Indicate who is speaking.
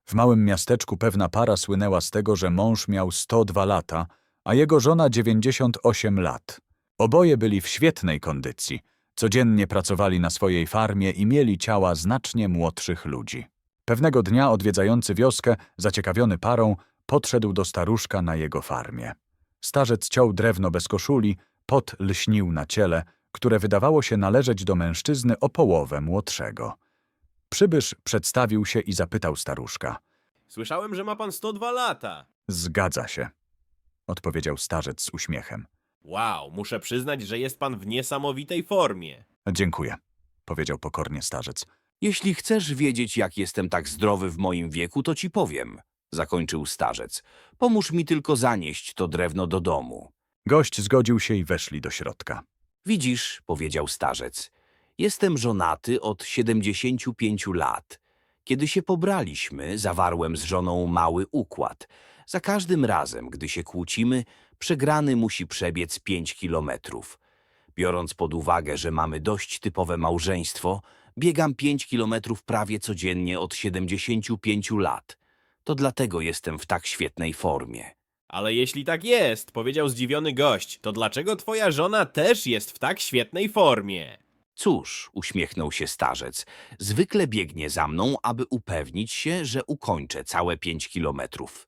Speaker 1: W małym miasteczku pewna para słynęła z tego, że mąż miał 102 lata, a jego żona 98 lat. Oboje byli w świetnej kondycji, codziennie pracowali na swojej farmie i mieli ciała znacznie młodszych ludzi. Pewnego dnia odwiedzający wioskę, zaciekawiony parą, podszedł do staruszka na jego farmie. Starzec ciął drewno bez koszuli, pot lśnił na ciele, które wydawało się należeć do mężczyzny o połowę młodszego. Przybysz przedstawił się i zapytał staruszka.
Speaker 2: Słyszałem, że ma pan 102 lata.
Speaker 1: Zgadza się, odpowiedział starzec z uśmiechem.
Speaker 2: Wow, muszę przyznać, że jest pan w niesamowitej formie.
Speaker 1: Dziękuję, powiedział pokornie starzec.
Speaker 3: Jeśli chcesz wiedzieć, jak jestem tak zdrowy w moim wieku, to ci powiem, zakończył starzec. Pomóż mi tylko zanieść to drewno do domu.
Speaker 1: Gość zgodził się i weszli do środka.
Speaker 3: Widzisz, powiedział starzec, jestem żonaty od 75 lat. Kiedy się pobraliśmy, zawarłem z żoną mały układ. Za każdym razem, gdy się kłócimy, przegrany musi przebiec 5 kilometrów. Biorąc pod uwagę, że mamy dość typowe małżeństwo, biegam 5 kilometrów prawie codziennie od 75 lat. To dlatego jestem w tak świetnej formie.
Speaker 2: Ale jeśli tak jest, powiedział zdziwiony gość, to dlaczego twoja żona też jest w tak świetnej formie?
Speaker 3: Cóż, uśmiechnął się starzec, zwykle biegnie za mną, aby upewnić się, że ukończę całe 5 kilometrów.